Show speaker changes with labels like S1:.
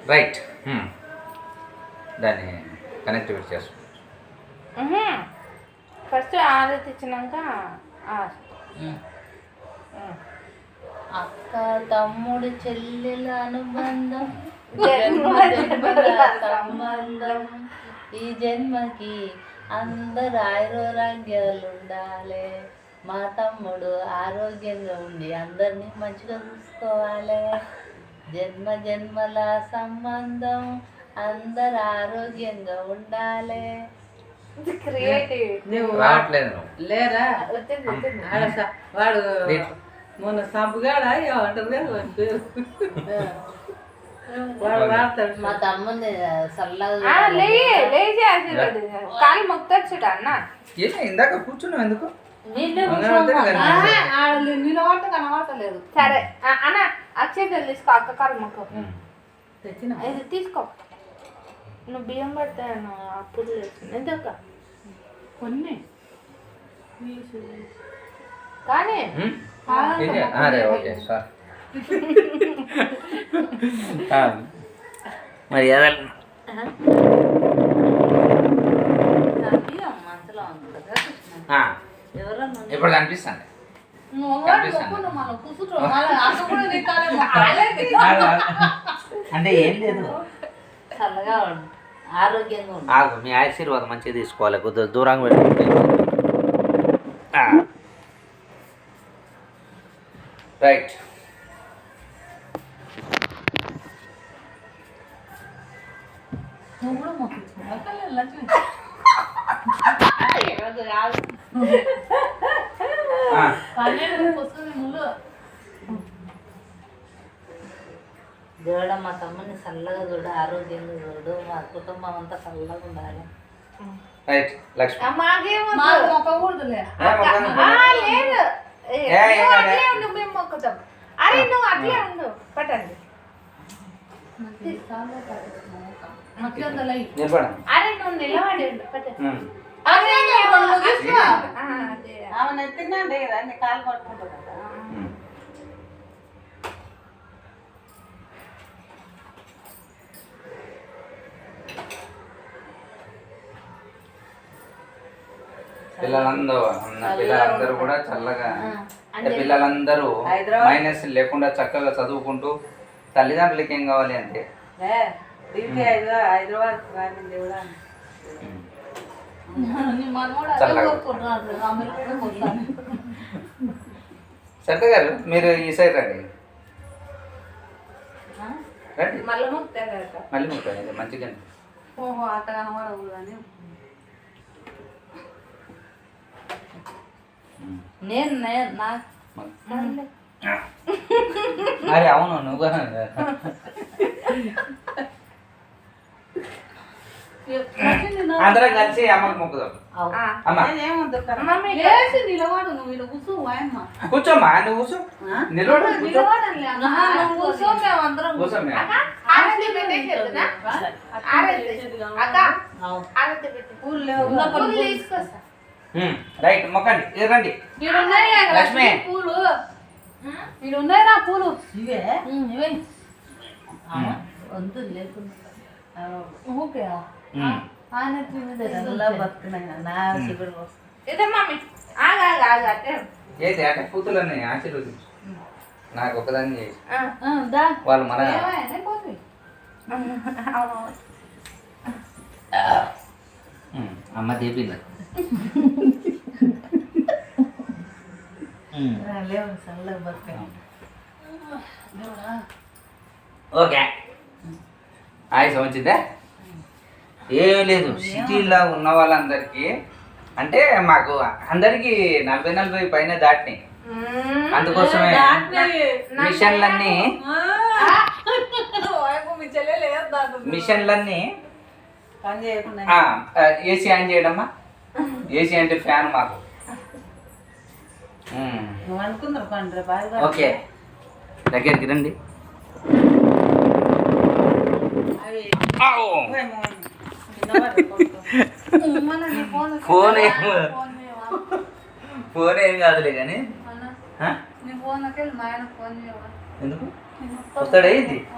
S1: Right. దాన్ని connectivity చేసుకో.
S2: First ఆరతి ఇచ్చినాక
S3: అక్క తమ్ముడు చెల్లెల అనుబంధం సంబంధం ఈ జన్మకి అందరు ఆరోగ్యాలు ఉండాలి. మా తమ్ముడు ఆరోగ్యంగా ఉండి అందరినీ మంచిగా చూసుకోవాలి. జన్మ జన్మల సంబంధం అందరు ఆరోగ్యంగా ఉండాలి.
S1: రావట్లేదు
S4: లేరా వాడు మొన్న సంపుగాడా ఏమంటారు వాడు వాడతాడు.
S3: మా తమ్ముడిని చల్లగా
S2: కాలు మొక్కొచ్చుట అన్న.
S1: ఇందాక కూర్చున్నావు ఎందుకు?
S4: నిలబట్ట కనబడతలేదు.
S2: సరే అన్న అక్షయతలు తీసుకో, అక్క కాలు మొక్క
S4: తెచ్చిన
S2: ఇది తీసుకో. నువ్వు బియ్యం పడతాను అప్పుడు ఎంతక్క
S4: కొన్ని
S2: కానీ
S1: ఓకే సార్. మరి
S3: మనసులో ఉంది
S1: ఇప్పుడు కనిపిస్తాను. అంటే ఏం లేదు,
S3: చల్లగా ఉండు, ఆరోగ్యంగా ఉండు.
S1: ఆగు, మీ ఆశీర్వాదం మంచిగా తీసుకోవాలి. కొద్దిగా దూరంగా పెట్టుకుంటే రైట్.
S4: నువ్వు కూడా మొక్కించు.
S3: దేవుడ మా తమ్ముని చల్లగా చూడు, ఆరోగ్యంగా చూడు, మా కుటుంబం అంతా చల్లగా ఉండాలి.
S1: రైట్. లక్ష్మి
S4: మొక్కకూడదులే.
S2: లేదు ఉండు, మేము మొక్కుతాం. అరే నువ్వు అట్లే ఉండు, పట్టండి. అరే నువ్వు నిలబడి ఉండు, పట్టండి.
S4: ఆమె ఎత్తిందండి అన్ని కాలు పట్టుకుంటుంది కదా.
S1: పిల్లలందరూ కూడా చల్లగా, అంటే పిల్లలందరూ మైనస్ లేకుండా చక్కగా చదువుకుంటూ తల్లిదండ్రులకి ఏం కావాలి అంటే
S4: హైదరాబాద్
S1: సరిత గారు మీరు ఈ సైడ్ రండి. రండి
S2: మళ్ళీ
S1: ముట్టారు మంచిగా.
S4: ఓహో అట్ట కనబడకూడదు అని
S3: నేను
S1: అరే అవును, నువ్వు అందరం కలిసి అమ్మకి మొక్కుదాం.
S4: నిలబడు, నువ్వు ఇలా కూర్చో.
S1: కూర్చోమ్మా, నువ్వు కూర్చో. నిలబడు, కూర్చో. రైట్, మొక్కండి. రండి లక్ష్మి.
S4: పూలు వీడు ఉన్నాయిరా పూలు.
S3: ఇవే
S4: ఇవే
S3: వద్దు లేకుండా
S4: ఓకే
S1: ఏంటి అంటే కూతుర్లని ఆశీర్వదించు. నాకు ఒకదాన్ని చేసి వాళ్ళు మన అమ్మ చేపింది. ఓకే, ఆయుష్ వచ్చిందే. ఏం లేదు, సిటీలో ఉన్న వాళ్ళందరికీ అంటే మాకు అందరికి 40 పైన దాటినాయి. అందుకోసమే మిషన్లన్నీ ఏసీ ఆన్ చేయడమ్మా. ఏసీ అంటే ఫ్యాన్ మాకు. ఓకే, దగ్గరికి రండి. ఫోన్ ఏం కాదులే కానీ ఎందుకు వస్తాడే ఇది.